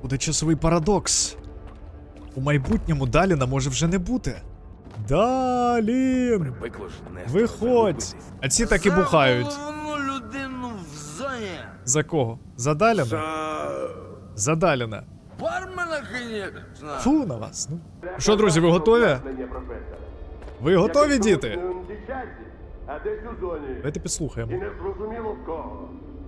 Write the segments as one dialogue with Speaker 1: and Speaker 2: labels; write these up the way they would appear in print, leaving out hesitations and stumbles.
Speaker 1: Буде часовий парадокс. У майбутньому Даліна може вже не бути. Далін! Виходь! А ці так і бухають.
Speaker 2: За головну людину в зоні.
Speaker 1: За кого? За Даліна? За Даліна.
Speaker 2: Бармена, конечно.
Speaker 1: Фу на вас. Ну. Що, друзі, ви готові? Ви готові, діти?
Speaker 3: А десь у зоні.
Speaker 1: Давайте підслухаємо.
Speaker 3: І не зрозуміло в кого.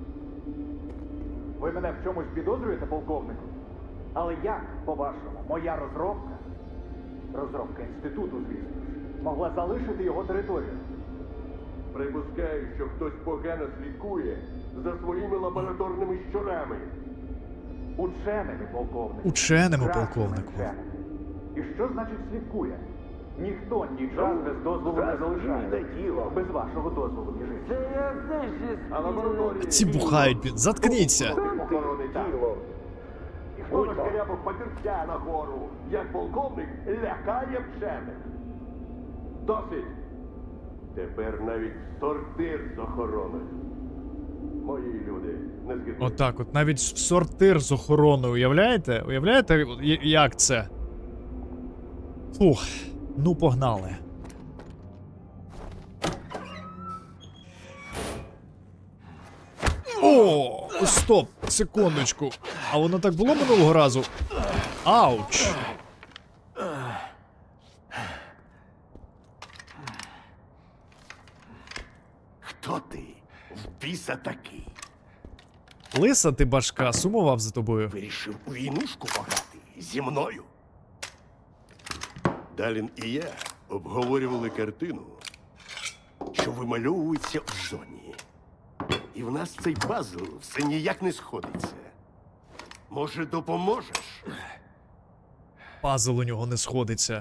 Speaker 4: Ви мене в чомусь підозрюєте, полковнику? Але як, по-вашому, моя розробка інституту, звісно ж, могла залишити його територію?
Speaker 3: Припускаю, що хтось погано слідкує за своїми лабораторними щурами.
Speaker 4: Ученими, полковнику.
Speaker 1: Ученими,
Speaker 4: Красними
Speaker 1: полковнику.
Speaker 4: вченими. І що значить слідкує? Ніхто час без дозволу не залишає. Без вашого дозволу, між іншим.
Speaker 2: Це я теж
Speaker 3: А лабораторії...
Speaker 1: Ці бухають, блін. Заткніться.
Speaker 3: Охорони тіло. І хто нашкарябав папірця на гору, як полковник лякає вчених? Досить! Тепер навіть сортир з охороною. Мої люди, не згідні.
Speaker 1: Отак от, навіть в сортир з охороною, уявляєте? Уявляєте, як це? Фух, ну погнали. О, стоп, секундочку. А воно так було минулого разу? Ауч.
Speaker 5: Хто ти? В біса такий?
Speaker 1: Лиса ти башка, сумував за тобою.
Speaker 5: Вирішив у війнушку пограти зі мною. Далін і я обговорювали картину, що вимальовується в зоні. І в нас цей пазл все ніяк не сходиться. Може, допоможеш?
Speaker 1: Пазл у нього не сходиться.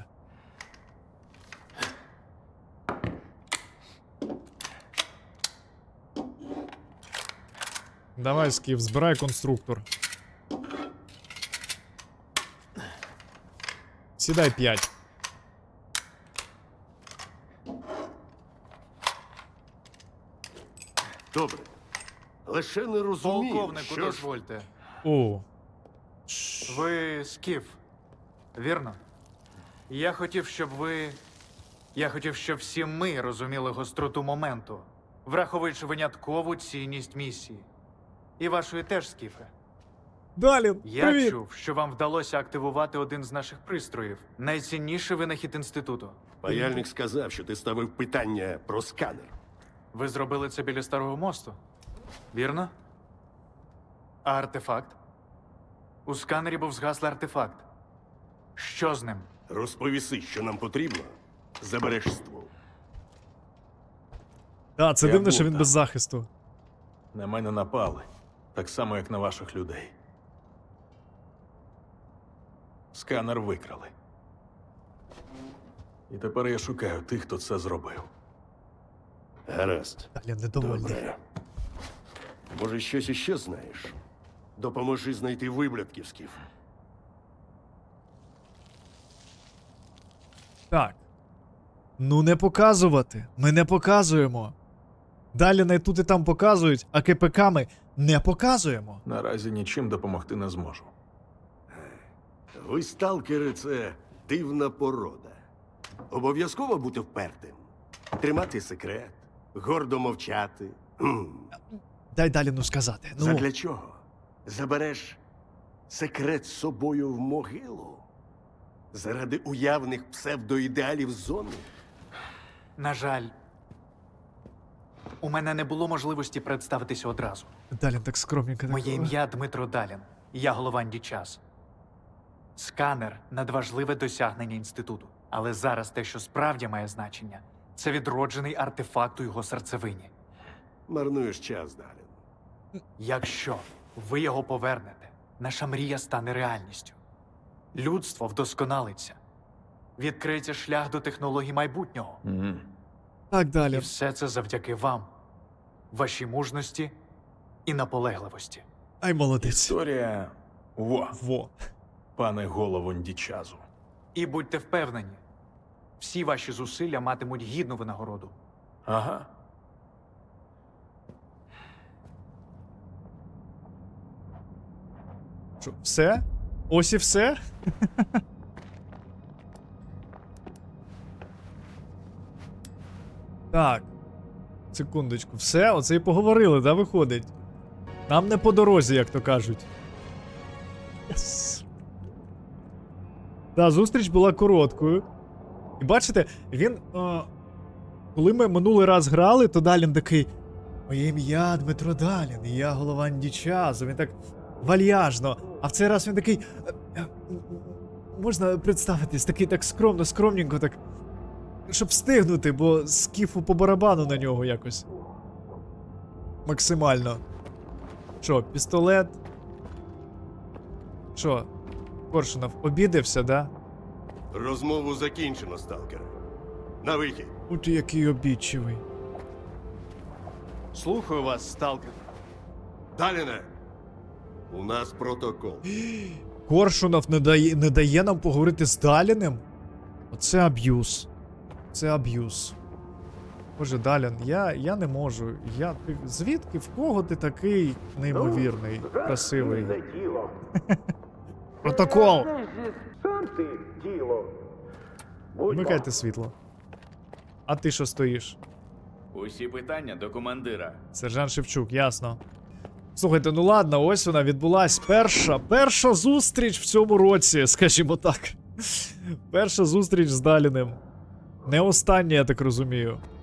Speaker 1: Давай, Скіф, збирай конструктор. Сідай 5.
Speaker 5: Добре. Лише не розумію,
Speaker 6: Полковнику,
Speaker 5: що ж...
Speaker 6: дозвольте.
Speaker 1: О.
Speaker 6: Ви Скіф, вірно? Я хотів, щоб всі ми розуміли гостроту моменту, враховуючи виняткову цінність місії. І вашої теж, Скіфе.
Speaker 1: Далін,
Speaker 6: Я
Speaker 1: привіт!
Speaker 6: чув, що вам вдалося активувати один з наших пристроїв. Найцінніший винахід інституту.
Speaker 5: Паяльник сказав, що ти ставив питання про сканер.
Speaker 6: Ви зробили це біля Старого мосту, вірно? А артефакт? У сканері був згаслий артефакт. Що з ним?
Speaker 5: Розповіси, що нам потрібно, забереш ствол.
Speaker 1: Так, це
Speaker 7: Я
Speaker 1: дивно,
Speaker 7: був
Speaker 1: що він
Speaker 7: там.
Speaker 1: без захисту.
Speaker 7: На мене напали. Так само, як на ваших людей. Сканер викрали. І тепер я шукаю тих, хто це зробив.
Speaker 5: Гаразд.
Speaker 1: Далін недовольний.
Speaker 5: Добре. Може, щось іще знаєш? Допоможи знайти виблядків, Скіф.
Speaker 1: Так. Ну не показувати. Ми не показуємо. Далі не тут і там показують, а КПК ми не показуємо.
Speaker 7: Наразі нічим допомогти не зможу.
Speaker 5: Ви, сталкери, це дивна порода. Обов'язково бути впертим. Тримати секрет, гордо мовчати.
Speaker 1: Дай Даліну сказати. Ну,
Speaker 5: Задля чого? Забереш секрет з собою в могилу? Заради уявних псевдоідеалів зони?
Speaker 6: На жаль, у мене не було можливості представитися одразу.
Speaker 1: Далін так скромненько.
Speaker 6: Моє
Speaker 1: так...
Speaker 6: ім'я Дмитро Далін. Я голова Час. Сканер надважливе досягнення інституту. Але зараз те, що справді має значення, це відроджений артефакт у його серцевині.
Speaker 5: Марнуєш час, Далін.
Speaker 6: Якщо ви його повернете, наша мрія стане реальністю. Людство вдосконалиться. Відкриється шлях до технологій майбутнього.
Speaker 1: Так,
Speaker 6: І
Speaker 1: Далін.
Speaker 6: все це завдяки вам, вашій мужності і наполегливості.
Speaker 1: Ай, молодець.
Speaker 7: Історія
Speaker 1: Во.
Speaker 7: пане голову Ндічазу.
Speaker 6: І будьте впевнені, всі ваші зусилля матимуть гідну винагороду.
Speaker 7: Ага.
Speaker 1: Що, все? Ось і все? Так. Секундочку, все, оце і поговорили, да, виходить? Нам не по дорозі, як то кажуть. Yes. Да, зустріч була короткою. І бачите, він. Коли ми минулий раз грали, то Далін такий. Моє ім'я Дмитро Далін, і я голова Дічазу. Він так вальяжно. А в цей раз він такий. Можна представитись, такий так скромно, скромненько, так. Щоб встигнути, бо скіфу по барабану на нього якось. Максимально. Що, пістолет? Що, Коршунов обідався, да?
Speaker 5: Розмову закінчено, сталкер. На вихід.
Speaker 1: У ти який обідчивий.
Speaker 8: Слухаю вас, сталкер.
Speaker 5: Даліне! У нас протокол.
Speaker 1: Коршунов не дає нам поговорити з Даліним? Оце аб'юз. Це аб'юз. Боже, Далін, я не можу. Звідки, в кого ти такий неймовірний, красивий? Протокол!
Speaker 4: Сам ти тіло.
Speaker 1: Вмикайте світло. А ти що стоїш?
Speaker 8: Усі питання до командира.
Speaker 1: Сержант Шевчук, ясно. Слухайте, ну ладно, ось вона відбулась. Перша зустріч в цьому році, скажімо так. Перша зустріч з Даліним. Не остання, я так розумію.